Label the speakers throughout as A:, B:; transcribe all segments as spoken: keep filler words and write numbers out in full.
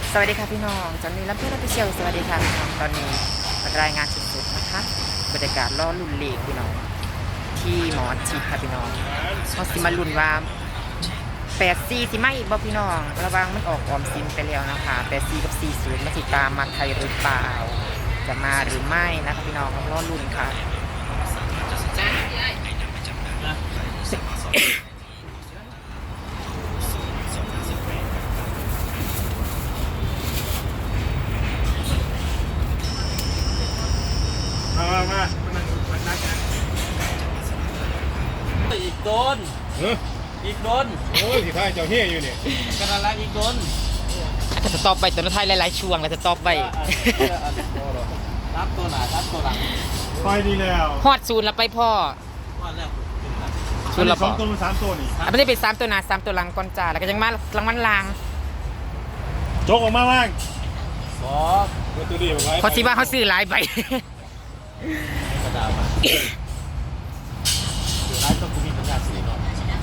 A: สวัสดีค่ะพี่น้องจอนนี่รับเพื่อนรับเชียวสวัสดีค่ะพี่น้องตอนนี้รายงานสุดๆนะคะบรรยากาศล่อลุ่นเลขพี่น้องที่หมอชิดค่ะพี่น้องเขาสิมาลุ่นว่าแปดสี่สิไม่บ่พี่น้องระวังมันออกออมสินไปแล้วนะคะแปดสี่กับสี่ศูนย์มาติดตามมาไทยหรือเปล่าจะมาหรือไม่นะคะพี่น้องล่อลุ่นค่ะ
B: มามามามันมันนักกัน
C: อีกโดน
B: เออ
C: อีกโดน
B: โอ้ยสิท้ายเจ้าเฮียอยู่เนี่ย
C: กระลักอีกโดน
A: จะสต็อปไปตัวท้ายหลายๆช่วงแล้วจะสต็อปไป
C: รับตัวหนารับตัวหลัง
B: ไปดีแล้ว
A: ฮอดศูนย์แล้วไปพ่อ
C: ว่าแล้ว
A: ศูนย์แล้ว
B: ส
A: พ่
B: อ
A: อง
B: ตัวมันสามตัวนี่
A: อ่ะไม่ได้เป็นสามตัวหนาสามตัวหลังก่อนจ้าแล้วก็ยังมารางวัลลาง
B: โจกออกมาบ้าง
C: สอง
B: ตัวตัวดีบอกไว้
A: เขาสิว่าเขาซื้อหลายใบ
C: กระดาษมาถือร้ายต้องกูมีปัญญาสีก่อน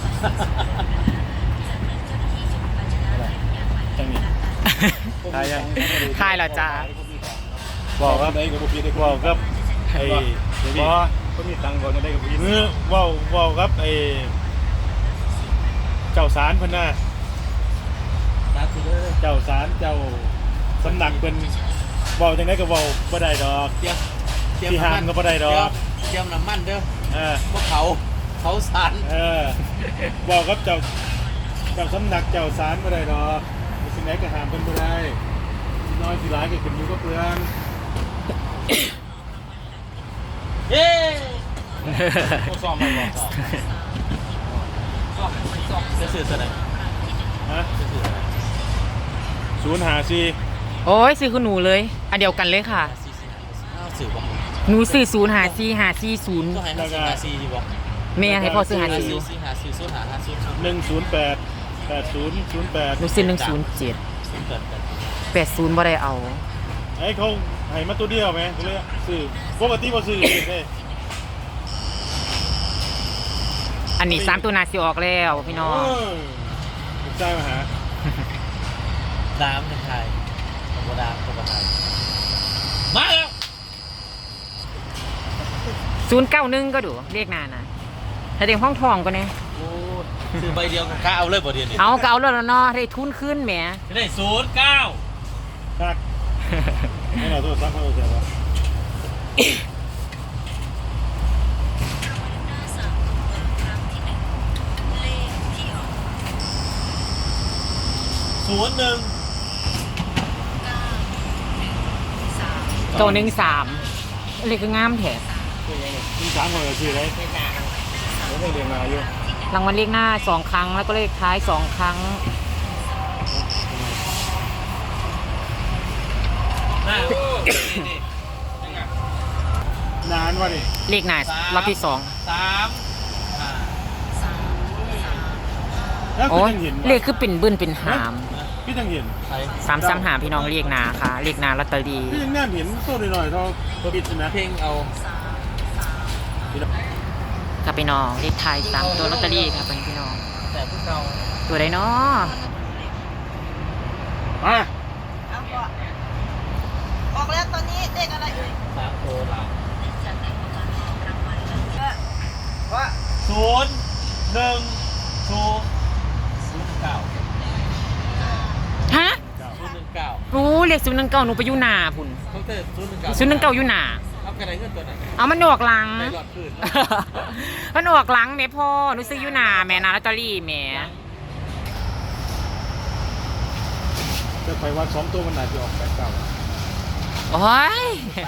B: จังนี่ทายยัง
A: ทายเหรอจ้า
B: บอกครับไอ้กับพี่ได้บอกครับไอ้บอก็มีตังค์ก่อนจะได้กับพี่มือว่าว่าครับไอ้เจ้าสารพันน่ะ
C: ตาคือเด้อ
B: เจ้าสารเจ้าสำนักเป็นบอกจังไดก็บอกบ่ได้ดอก
C: เตรียมเตรียม
B: ที่ห้ามก็บ่ได้ดอก
C: เตรียมน้ำมันเด้อ
B: เออ
C: พวกเขาเขาสาร
B: เออบอกครับเจ้าเจ้าสำนักเจ้าสารบ่ได้ดอกสิ่งไหนก็ห้ามเป็นบ่ได้น้อยสิหลายก็ขึ้นอยู่กับเปลือง
C: เย้
B: ซ้อมไปบ่
C: ซ้อมซ้อมจะสื่ออะไร
B: ฮะ
C: จะสื่ออะไร
B: ศูนย์หาซี
A: โอ้ยซื้อคุณหนูเลยอันเดียวกันเลยค่ะ
C: ซีซีอ้าวสื่อบอก
A: หนูซื้อศูนย์หาซีหาซีศูนย์
C: ก็ให้ห้าซีห้าซีดีบอก
A: แม่ให้พ่อซื้อหา
C: ห้า
A: ซี
C: ซีซีห้าซีศูนย์หาห้าศูนย์ศูนย์
B: หนึ่งศูนย์แปดแปดศูนย์ศูนย์แปด
A: หนูซื้อหนึ่งศูนย์เจ็ด
C: ศูนย์แปดแปด
A: แปดศูนย์บ่ได้เอา
B: ไอ้เขาให้มาตัวเดียวไหมก็เลยซื้อปกติบ่ซื้อเลย
A: อันนี้สามตัวหนาสิออกแล้วพี่น้อง
B: ถูกใจมาหา
C: ดามเป็นไทยธรรมดาธรรมดามาแล้ว
A: ศูนย์เก้าหนึ่งก็ดูเรียกนานนะถ้าเด็กห้องทองก็เนี่ย
C: โอ้ซื้อใบเดียวกับข้าเอาเลยบ่เดียวนี่
A: เอาเก่าแล้วเนาะได้ทุนขึ้นแหม
C: ได้ศูนย์เก้า
B: ทักให้เราตัวซักเขาเสียวะ
C: ศูนย์หนึ่ง
A: เก้าหนึ่งสามเลขก็งามแถม
B: มีสามคนก็ซื้อได้แล้วไม่เรียนมาอยู่
A: รางวัลเลขหน้าสองครั้งแล้วก็เลขท้ายสองครั้ง
C: น่า
B: นานวะนี่
A: เลขหน้ารอบที่สอง
C: สามอ่า
B: แล้วก็
A: โอ้ย
B: ยังเห็น
A: เลขคือเป็นบึ้นเป็นหาม
B: พี่ยังเห็น
C: ใคร
A: สามสามหาพี่น้องเลขหนาค่ะเลขหนาลอตเตอรี่
B: พี่ยังน่าเห็นตัวหน่อยๆเท่าปิดนะ
C: เพลงเอา
A: กับพี่น้องเลขท้ายสามตัวลอตเตอรี่ค่ะเป็นพี่น้อง
C: แต่พวกเรา
A: ตัวใดเนาะ
B: อ่ะ
D: เอาก่อนออกแล้วตอนนี้เลขอะไรเอ่ย
C: สามโตหลัง
D: เออว่า
C: ศูนย์หนึ่งศูนย์ศูนย์เก้า
A: ฮะ
C: ศูนย์หนึ่งเก้า
A: รู้เลขศูนย์หนึ่งเก้าหนูไปอยู่หนาพุ่น
C: เขาเตอศูนย์หนึ่งเก้า
A: ศูนย์หนึ่งเก้าอยู่หนา
C: เอากระไรเงินตัวไหน
A: เอามันออกหลัง
C: ในหลอดคืน
A: มันออกหลังแม่พ่อหนูซื้ออยู่หนาแม่นาลอตเตอรี่แม่
B: จะไปวันสองตัวมันอาจจะออกแปดเก้า
A: โอ้ย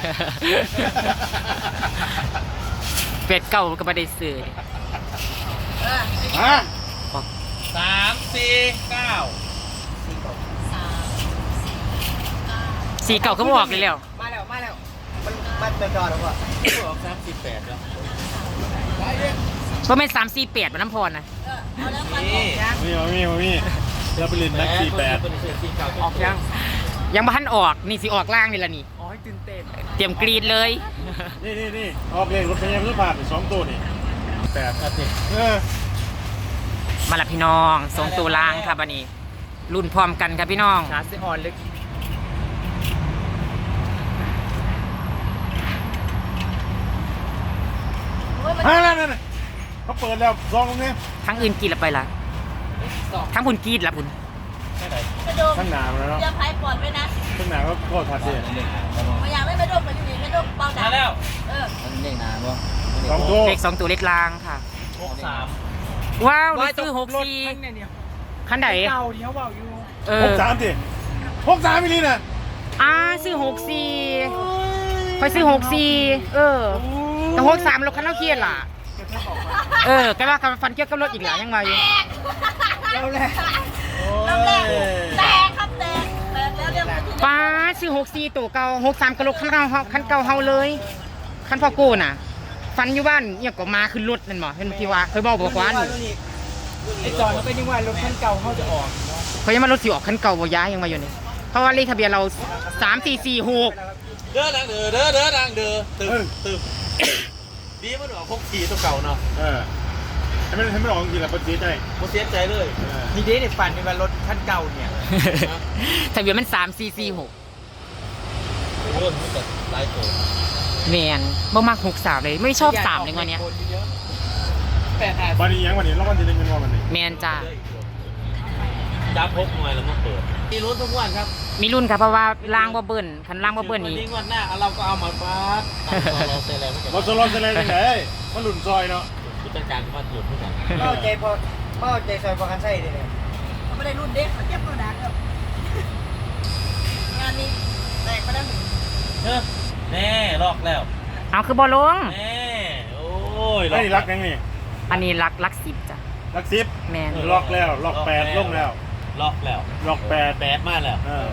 A: เป็ดเก่าก็ไม่ได้ซื้อ
B: อ่ะ
C: สามสี่เก้า
A: สีเก่าก็บออกเลยแล้ว
D: มาแล้วมาแล้วมันมันไปก่อนแล้วก่อน
C: ออกสามสี่แปดแล้ว
A: เพราะเป็นสามสี่แปดมันน้ำพรนะ
D: เออเอาแล้วมัน
C: นี่
D: ยัง
B: มีมามีมามีเราไปเรียนนักสี่แปด
C: เป็นเสื้อสีเก่า
A: ออกยังยังบ้านออกนี่สิออกล่างนี่ละนี่
C: อ๋อตื่นเต้น
A: เตรียมกรีดเลย
B: นี่นี่นี่ออกเลยรถพยายามรถผ่านสองตัวนี่แปด
C: อาทิตย์
B: เออ
A: มาละพี่น้องสองตัวล่างครับอันนี้รุ่นพร้อมกันครับพี่น้อง
C: ชาร์จออนเล็ก
B: ฮะนั่นนั่นเขาเปิดแล้วซองตรงนี้
A: ทั้งอื่นกรีดละไปละทั้งพุ่นกรีดละพุ่น
C: ไม่ไหน
D: ไม่โดม
B: ข้างหน้ามันแล้ว
D: เตรียมพายปอดไว้นะ
B: ข้างหน้าก็โคตรทัดเลย
D: มาอยากได้ไม่โดมมาอยู่นี่ไม่โดมเบาดั
C: มาง แล้ว
D: เออ
E: มันเด้งนานบ่
B: สองตัว
A: เลขสองตัวเลขลางค่ะ
C: หกสาม
A: ว้าวนี่ซื้อหกสี่คันไหน
F: เก่าเดียวเบาอยู่
A: เอ
B: ห
A: อก
B: สามสิหกสามมิลลิน่ะ
A: อ่าซื้อหกสี่คอยซื้อหกสี่เออแต่หกสามรถคันเราเครียดล่ะเออก็ว่าคันฟันเกี่ยวกับรถอีกหลายยังมาอยู่
D: แล้วแหละแล้วแหละแตกครับแตกแตกแล้วเรียกว่าที่
A: ป้าซื้อหกสี่ตัวเก่าหกสามกระโหลกคันเก่าเฮาคันเก่าเฮาเลยคันพ่อโก้น่ะ ฟันอยู่บ้านเนี่ยก็มาขึ้นรถนั่นบ่เห็นที่ว่าเคยบอกบอกว่า
F: ไอ้จอนมันเป็นยังไงรถคันเก่าเขาจะออก
A: เขายังมารถสิออกคันเก่าบ่ย้ายยังมาอยู่นี่เพราะว่าเลขทะเบียนเราสามสี่สี่หก
C: เด้อดังเด้อเด้อเด้อดังเด้อตึมตึมดีมันออกหกทีตัวเก่าเนาะ
B: เออให้มันให้มันออกจริงๆแล้วมันเสียใจ
C: ผมเสียใจเลย
F: มีเดทในฝันเป็นว่ารถคันเก่าเนี่ย
A: ทะเบียนมันสามสี่สี่หก
C: โอ้ยมันจะไล่โต
A: แมนบ่มักหกสามเลยไม่ชอบสามเลยวันเนี้ย
F: แปดแปด
B: วันนี้ยังวันนี้รางวัลที่หนึ่งเป็นวันวันนี้
A: แมนจ้า
C: จับพกหน่วยแล้วมาเปิดมีลุ้นทุกวันครับ
A: มีรุ่นครับเพราะว่าล่างบ่เบิ้ลคันล่างบ่เบิ้ล
C: วัน
A: นี่
C: นี้วันหน้าเราก็เอามาฟาดเราเซเลไม่เก็บ
B: รถสลอนเซเลนไหนมันหลุนซอยเนาะ
C: ผู้จัดการว่าหยุดผู้จัด
F: เป้าใจพอเป้าใจซอยพอกันใช่เลยเนี่ย
D: เขาไม่ได้รุ่นเด็กเขาเทียบเบาดังครับงานนี้แตกมาได้หนึ่ง
C: เออแน่ลอกแล้ว
A: เอาคือบ่ลง
C: แน่โอ้ย
B: ไอ้รักยังนี่
A: อันนี้รักรักสิบจ้ะ
B: รักซิป
A: แมน
B: ล็อกแล้วล็อกแปดลงแล้ว
C: ลอกแล้ว
B: ล็อกแปด
C: แปดมาแล้ว
B: เออ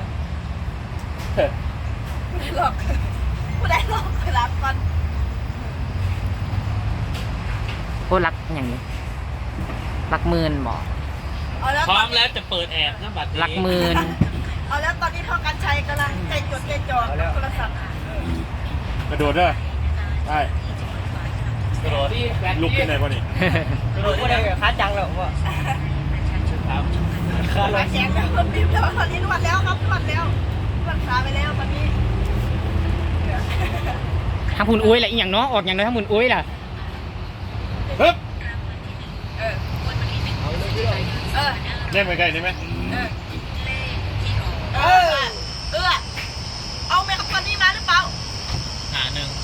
D: ผู้ใดหลอกผู้ใดหลอกไปรับก่อน
A: โอ้รักอย่างนี้รักหมื่นบ่
D: เอาแล้ว
C: พร้อมแล้วจะเปิดแอบนะบัตรนี้
A: รักหมื่น
D: เอาแล้วตอนนี้พ่อกันชัยกำลังใจจดใจจ่อกับโทรศัพท์
B: กระโดดเด้อได้
C: กระโดด
B: ลุกที่ไหนวะนี่
C: กระโดด
F: ก็ได้ค้าจังแล้วว่า
C: ครับ
D: ขาแข็งแล้วคนบีบแล้วตอนนี้นวดแล้วครับนวดแล้วนวดขาไปแล้วตอนนี้
A: ทางพุ่นอุ้ยล่ะอีหยังเนาะออกอย่างน้อยทางพุ่นอุ้ยล่ะ
B: ฮึบ
D: เออเออ
B: เล่นไปใกล้ได้ไหม
D: เออเออเอาเมกับตอนนี้มาหรือเปล่า
C: หาหนึ่ง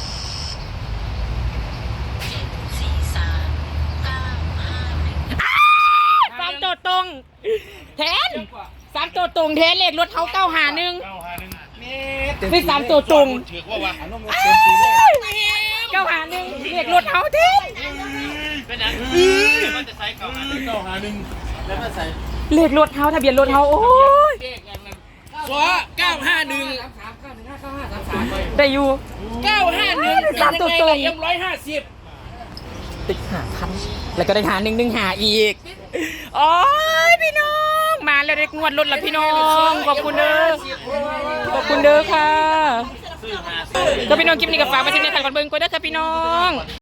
A: สามตัวตรงแทนสามตัวตรงแทนเลขรถเขาเก้าหาหนึ่ง
B: เก้าหาหนึ่ง
A: คือสามตัวตรง
B: ถือว่าวะ
A: เก้าหาหนึ่งเลขรถเขาแทน
C: เป็นยังมันจะใส่เก่าหาหนึ่ง
B: เก้าหาหนึ่ง
C: แล้วมันใส่
A: เลขรถเขาทะเบียนรถเขาโอ้ย
F: ว้าเก้าห้าหนึ่ง
A: ได้อยู่
F: เก้าห้าหนึ่ง
A: สามตัวตรง
F: เอ็มร้อยห้าสิบ
A: ติดหาพันแล้วก็ได้หาหนึ่งหนึ่งหาอีกโอ้ยพี่น้องมาแล้วได้งวดรถแล้วพี่น้องขอบคุณเด้อขอบคุณเด้อค่ะ
C: ซื้อหาซื้อ
A: ก็พี่น้องคลิปนี้กับฝากมาชิมในถ่ายก่อนเบิ่งก็ได้อค่ะพี่น้อง